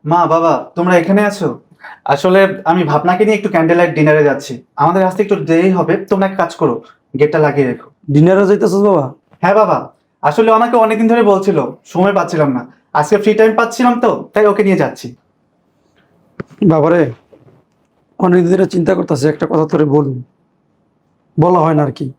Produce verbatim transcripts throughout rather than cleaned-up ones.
মা বাবা তোমরা এখানে আছো? আসলে আমি ভাবনাকে নিয়ে একটু ক্যান্ডেল লাইট ডিনারে যাচ্ছি। আমাদের আসতে একটু দেরি হবে, তোমরা এক কাজ করো, গেটটা লাগিয়ে রেখো। ডিনারে যাইতেছিস বাবা? হ্যাঁ বাবা, আসলে ওনাকে অনেকদিন ধরে বলছিল, সময় পাচ্ছিলাম না, আজকে ফ্রি টাইম পাচ্ছিলাম তো তাই ওকে নিয়ে যাচ্ছি। বাবারে, অনেকদিন ধরে চিন্তা করতেছি, একটা কথা তোরে বলুন, বলা হয় না আর কি।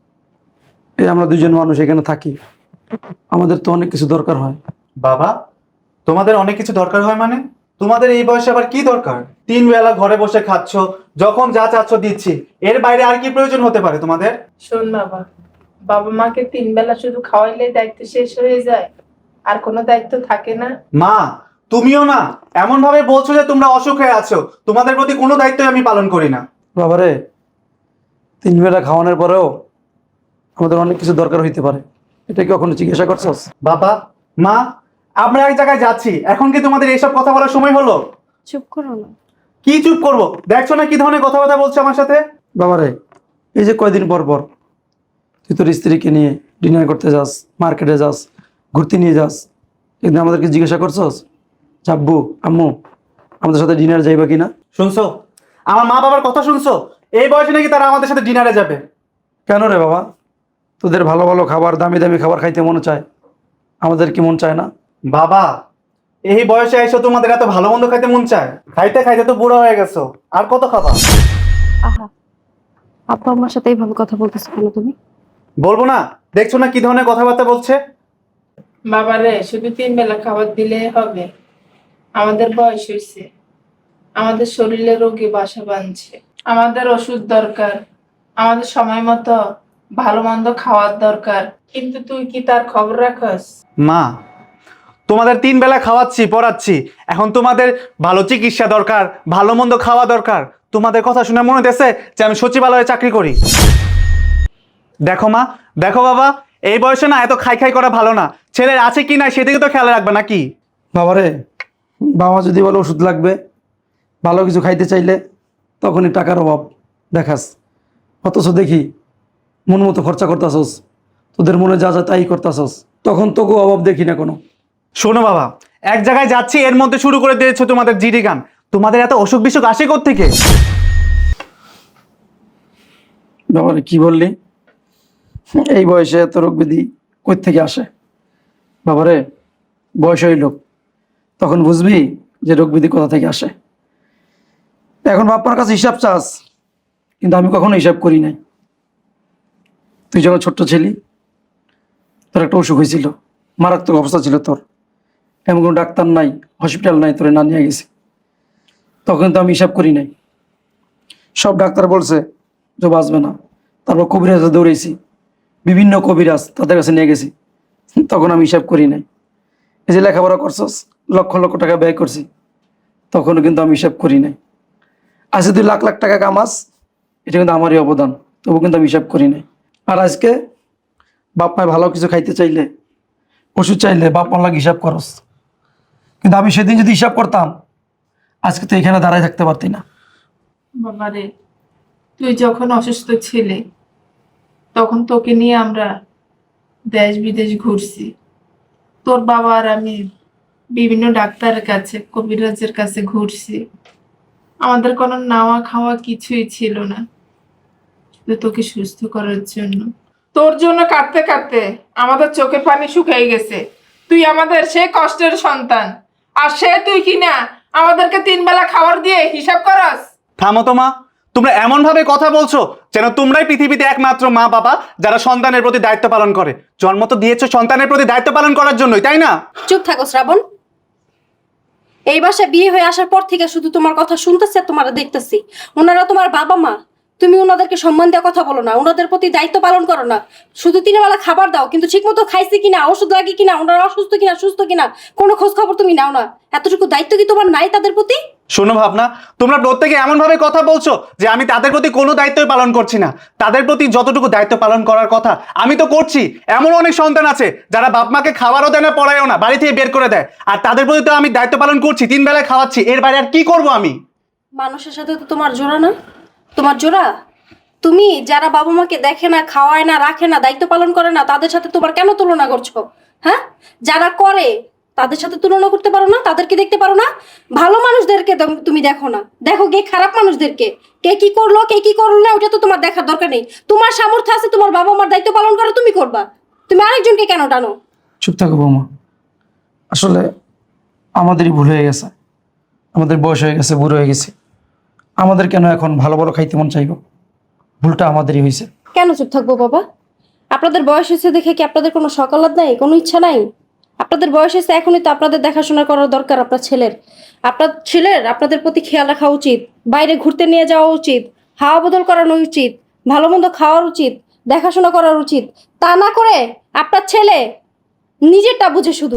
এই আমরা দুজন মানুষ এখানে থাকি, আমাদের তো অনেক কিছু দরকার হয়। বাবা, তোমাদের অনেক কিছু দরকার হয় মানে? তোমাদের এই বয়সে আবার কি দরকার? তিন বেলা ঘরে বসে খাচ্ছ, যখন যা চাচ্ছ দিচ্ছি, এর বাইরে আর কি প্রয়োজন হতে পারে তোমাদের? শোন বাবা, বাবা মাকে তিন বেলা শুধু খাওয়াইলে দায়িত্ব শেষ হয়ে যায়, আর কোনো দায়িত্ব থাকে না। মা, তুমিও না এমন ভাবে বলছো যে তোমরা অসুখে আছো, তোমাদের প্রতি কোনো দায়িত্বই আমি পালন করি না। বাবারে, তিন বেলা খাওয়ানোর পরেও আমাদের অনেক কিছু দরকার হইতে পারে, এটা কি কখনো জিজ্ঞাসা করছস? বাবা, মা, আমরা এক জায়গায় যাচ্ছি, এখন কি তোমাদের এইসব কথা বলার সময় হলো? চুপ করো না। কি চুপ করবো? দেখছো না কি ধরনের কথাবার্তা বলছে আমার সাথে? বাবারে, এই যে কয়দিন পর পর তুই তোর স্ত্রীকে নিয়ে ডিনার করতে যাস, মার্কেটে যাস, ঘুরতে নিয়ে যাস, কিন্তু আমাদেরকে জিজ্ঞাসা করছস আব্বু আম্মু আমাদের সাথে ডিনার যাইবা কিনা? শুনছো আমার মা বাবার কথা? শুনছো এই বয়সে নাকি তারা আমাদের সাথে ডিনারে যাবে? কেন রে বাবা, তোদের ভালো ভালো খাবার, দামি দামি খাবার খাইতে মনে চায়, আমাদের কি মন চায় না? বাবা, এই বয়সে এসে তোমাদের এত ভালো মন্দ খাইতে মন চায়? খাইতে খাইতে তো বুড়ো হয়ে গেছো, আর কত খাবা? আহা, আপা আমার সাথে এইভাবে কথা বলতেছো কেন তুমি? বলবো না? দেখছো না কি ধরনের কথাবার্তা বলছে? বাবারে শুধু তিন বেলা খাবার দিলে হবে? আমাদের বয়স হয়েছে, আমাদের শরীরে রোগে বাসা বাঁধছে, আমাদের ওষুধ দরকার, আমাদের সময় মতো ভালো মন্দ খাওয়ার দরকার, কিন্তু তুই কি তার খবর রাখস? মা, তোমাদের তিন বেলা খাওয়াচ্ছি পড়াচ্ছি, এখন তোমাদের ভালো চিকিৎসা দরকার, ভালো মন্দ খাওয়া দরকার। তোমাদের কথা শুনে মনে হচ্ছে যে আমি সচিবালয়ে চাকরি করি। দেখো মা, দেখো বাবা, এই বয়সে না এত খাই খাই করা ভালো না। ছেলের আছে কি না সেদিকে তো খেয়াল রাখবে নাকি? বাবারে, বাবা যদি বলে ওষুধ লাগবে, ভালো কিছু খাইতে চাইলে তখনই টাকার অভাব দেখাস, অথচ দেখি মন মতো খরচা করতাছস, তোদের মনে যা যা তাই করতাছস, তখন তোকেও অভাব দেখি না কোনো। শোনো বাবা, এক জায়গায় যাচ্ছি এর মধ্যে শুরু করে দিয়েছো তোমাদের জিডি গান। তোমাদের এত অসুখ বিসুখ আসে কোত্থেকে? বাবারে কি বললি? এই বয়সে এত রোগ ব্যাধি কই থেকে আসে? বাবারে, বয়স হইল, তখন বুঝবি যে রোগ ব্যাধি কোথা থেকে আসে। এখন বাপ্পার কাছে হিসাব চাস, কিন্তু আমি কখনো হিসাব করি নাই। তুই যখন ছোট্ট ছিলি, তোর একটা অসুখ হয়েছিল, মারাত্মক অবস্থা ছিল তোর, এমন কোনো ডাক্তার নাই, হসপিটাল নাই, তোরে না নিয়ে গেছি, তখন তো আমি হিসাব করি নাই। সব ডাক্তার বলছে যে বাঁচবে না, তারপর কবিরাজে দৌড়েছি, বিভিন্ন কবিরাজ তাদের কাছে নিয়ে গেছি, তখন আমি হিসাব করি নাই। এই যে লেখাপড়া করছস, লক্ষ লক্ষ টাকা ব্যয় করছি, তখনও কিন্তু আমি হিসাব করি নাই। আজকে তুই লাখ লাখ টাকা কামাস, এটা কিন্তু আমারই অবদান, তবু কিন্তু আমি হিসাব করি নাই। আর আজকে বাপ মায় ভালো কিছু খাইতে চাইলে, ওষুধ চাইলে বাপ মার লাগে হিসাব করস, কিন্তু আমি সেদিন যদি হিসাব করতাম, আজকে তো এখানে দাঁড়ায় থাকতে পারতি না। বাবারে, তুই যখন অসুস্থ ছিলি তখন তোকে নিয়ে আমরা দেশ বিদেশ ঘুরছি। তোর বাবা আর আমি বিভিন্ন ডাক্তারের কাছে, কবিরাজের কাছে ঘুরছি। আমাদের কোনো নাওয়া খাওয়া কিছুই ছিল না, শুধু তোকে সুস্থ করার জন্য। তোর জন্য কাঁদতে কাঁদতে আমাদের চোখের পানি শুকিয়ে গেছে। তুই আমাদের সে কষ্টের সন্তান, আর সে তুই কিনা আমাদেরকে তিন বেলা খাবার দিয়ে হিসাব করাস? থামো তো মা, তোমরা এমন ভাবে কথা বলছো যেন তোমরাই পৃথিবীতে একমাত্র মা বাবা যারা সন্তানের প্রতি দায়িত্ব পালন করে। জন্ম তো দিয়েছো সন্তানের প্রতি দায়িত্ব পালন করার জন্যই, তাই না? চুপ থাকো শ্রাবণ। এই বাসায় বিয়ে হয়ে আসার পর থেকে শুধু তোমার কথা শুনতেছি আর তোমার দেখতেছি। ওনারা তোমার বাবা মা, তুমি ওনাদেরকে সম্মান দেওয়া কথা বলো না, ওনাদের প্রতি দায়িত্ব পালন করো না। শুধু তিন বেলা খাবার দাও, কিন্তু ঠিক মতো খাইছে কিনা, ওষুধ লাগে কিনা, ওনারা অসুস্থ কিনা সুস্থ কিনা কোনো খোঁজ খবর তুমি নাও না। এতটুকু দায়িত্ব কি তোমার নাই তাদের প্রতি? শোনো ভাবনা, তোমরা প্রত্যেকে এমন ভাবে কথা বলছো যে আমি তাদের প্রতি কোনো দায়িত্বই পালন করছি না। তাদের প্রতি যতটুকু দায়িত্ব পালন করার কথা আমি তো করছি। এমন অনেক সন্তান আছে যারা বাপ মাকে খাবারও দেয় না, পড়ায়ও না, বাড়ি থেকে বের করে দেয়, আর তাদের প্রতি তো আমি দায়িত্ব পালন করছি, তিন বেলায় খাওয়াচ্ছি, এর বাইরে আর কি করব আমি? মানুষের সাথে তো তোমার জোড়া না, তোমার জোড়া। তুমি যারা বাবা মাকে দেখে না, খাওয়ায় না, রাখে না, দায়িত্ব পালন করে না, তাদের সাথে তোমার কেন তুলনা করছো? হ্যাঁ, যারা করে তাদের সাথে তুলনা করতে পারো না? তাদেরকে দেখতে পারো না? ভালো মানুষদেরকে তো- তুমি দেখো না, দেখো কে খারাপ মানুষদেরকে, কে কি করলো কে কি করলো না, ওটা তো তোমার দেখার দরকার নেই। তোমার সামর্থ্য আছে, তোমার বাবা মার দায়িত্ব পালন করো, তুমি করবা। তুমি আরেকজনকে কেন টানো? চুপ থাকো বৌমা। আসলে আমাদেরই ভুল হয়ে গেছে, আমাদের বয়স হয়ে গেছে, বুড়ো হয়ে গেছে। আমাদের কেন এখন ভালো ভালো খাইতে মন চাইব? ভুলটা আমাদেরই হয়েছে। কেন চুপ থাকবো বাবা? আপনাদের বয়স হয়েছে দেখে কি আপনাদের কোনো সকালাত নাই, কোনো ইচ্ছা নাই? আপনাদের বয়স হয়েছে, এখনই তো আপনাদের দেখাশোনা করার দরকার আপনার ছেলের। আপনার ছেলের আপনাদের প্রতি খেয়াল রাখা উচিত, বাইরে ঘুরতে নিয়ে যাওয়া উচিত, হাওয়া বদল করানো উচিত, ভালো মন্দ খাওয়ার উচিত, দেখাশোনা করার উচিত। তা না করে আপনার ছেলে নিজেরটা বুঝে শুধু।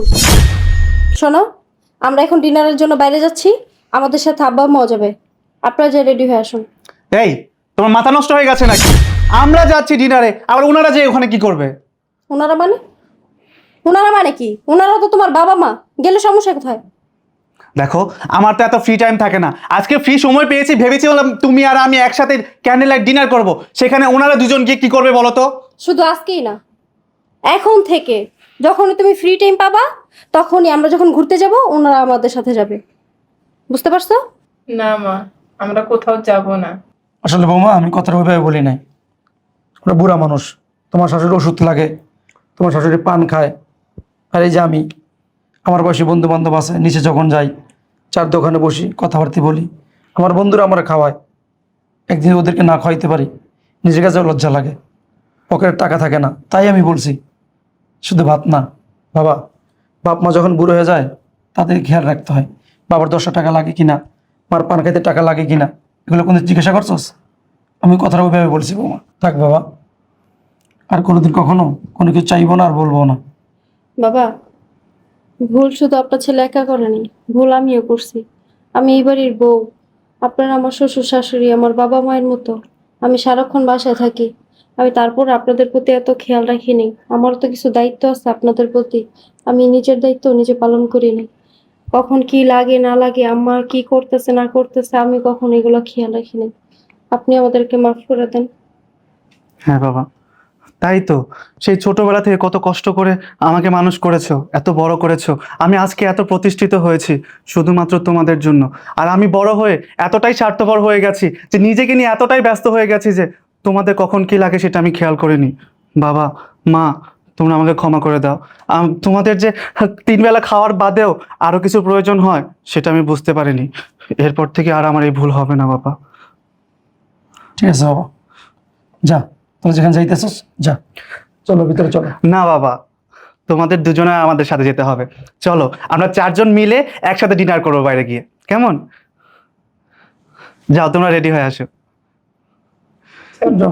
শোনো, আমরা এখন ডিনারের জন্য বাইরে যাচ্ছি, আমাদের সাথে আব্বা আম্মাও যাবে। আপনারা যে রেডি হয়ে আসুন। এই, তোমার মাথা নষ্ট হয়ে গেছে নাকি? আমরা যাচ্ছি ডিনারে, আবার ওনারা যে ওখানে কি করবে? ওনারা মানে? ওনারা মানে কি? ওনারা তো তোমার বাবা মা, গেলে সমস্যা কোথায়? দেখো, আমার তো এত ফ্রি টাইম থাকে না। আজকে ফ্রি সময় পেয়েছি, ভেবেছিলাম তুমি আর আমি একসাথে ক্যান্ডেল লাইট ডিনার করব। সেখানে ওনারা দুজন গিয়ে কি করবে বলো তো? শুধু আজকেই না, এখন থেকে যখনই তুমি ফ্রি টাইম পাবা, তখনই আমরা যখন ঘুরতে যাব, ওনারা আমাদের সাথে যাবে। বুঝতে পারছো? না মা, আমরা কোথাও যাব না। আসলে বৌমা, আমি কথাটা ওইভাবে বলি নাই। ওরা বুড়া মানুষ, তোমার শাশুড়ি ওষুধ লাগে, তোমার শাশুড়ি পান খায়, আর এই যে আমি, আমার বয়সী বন্ধু বান্ধব আছে, নিচে যখন যাই চার দোকানে বসি, কথাবার্তা বলি, আমার বন্ধুরা আমার খাওয়ায়। একদিন ওদেরকে না খাওয়াইতে পারি, নিজের কাছেও লজ্জা লাগে, পকেটের টাকা থাকে না। তাই আমি বলছি, শুধু ভাত না বাবা, বাপ মা যখন বুড়ো হয়ে যায় তাদের খেয়াল রাখতে হয়। বাবার দশটা টাকা লাগে কিনা, মার পান খাইতে টাকা লাগে কিনা, এগুলো কোনো জিজ্ঞাসা করছোস? আমি কথাটা ওইভাবে বলছি বৌমা। থাক বাবা, আর কোনোদিন কখনো কোনো কিছু চাইবো না আর বলবো না। বাবা, ভুল শুধু আপনার ছেলে একা করেনি, ভুল আমিও করছি। আমি এই বাড়ির বউ, আপনারা আমার শ্বশুর শাশুড়ি, আমার বাবা মায়ের মতো। আমি সারাক্ষণ বাসায় থাকি, আমি তারপর আপনাদের প্রতি এত খেয়াল রাখিনি। আমারও তো কিছু দায়িত্ব আছে আপনাদের প্রতি, আমি নিজের দায়িত্ব নিজে পালন করিনি। কখন কি লাগে না লাগে, আমার কি করতেছে না করতেছে, আমি কখন এগুলো খেয়াল রাখিনি। আপনি আমাদেরকে মাফ করে দেন। হ্যাঁ বাবা, তাই তো। সেই ছোটবেলা থেকে কত কষ্ট করে আমাকে মানুষ করেছো, এত বড় করেছো। আমি আজকে এত প্রতিষ্ঠিত হয়েছি শুধুমাত্র তোমাদের জন্য। আর আমি বড় হয়ে এতটাই স্বার্থপর হয়ে গেছি যে নিজেকে নিয়ে এতটাই ব্যস্ত হয়ে গেছি যে তোমাদের কখন কি লাগে সেটা আমি খেয়াল করিনি। বাবা, মা, তোমরা আমাকে ক্ষমা করে দাও। আম, তোমাদের যে তিন বেলা খাওয়ার বাদেও আরো কিছু প্রয়োজন হয় সেটা আমি বুঝতে পারিনি। এরপর থেকে আর আমার এই ভুল হবে না বাবা। ঠিক আছে বাবা, যা, তোরা যেখানে যাইতেছিস যা, চলো ভিতরে চলো। না বাবা, তোমাদের দুজনে আমাদের সাথে যেতে হবে। চলো, আমরা চারজন মিলে একসাথে ডিনার করবো বাইরে গিয়ে, কেমন? যাও, তোমরা রেডি হয়ে আসো। যাও।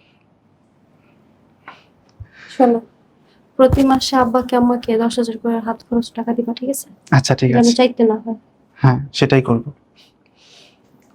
শোনো, প্রতি মাসে আব্বাকে আম্মাকে দশ হাজার করে হাত খরচ টাকা দিবা, ঠিক আছে? আচ্ছা, ঠিক যেন আছে। চাইতে না হয়। হ্যাঁ, সেটাই করবো।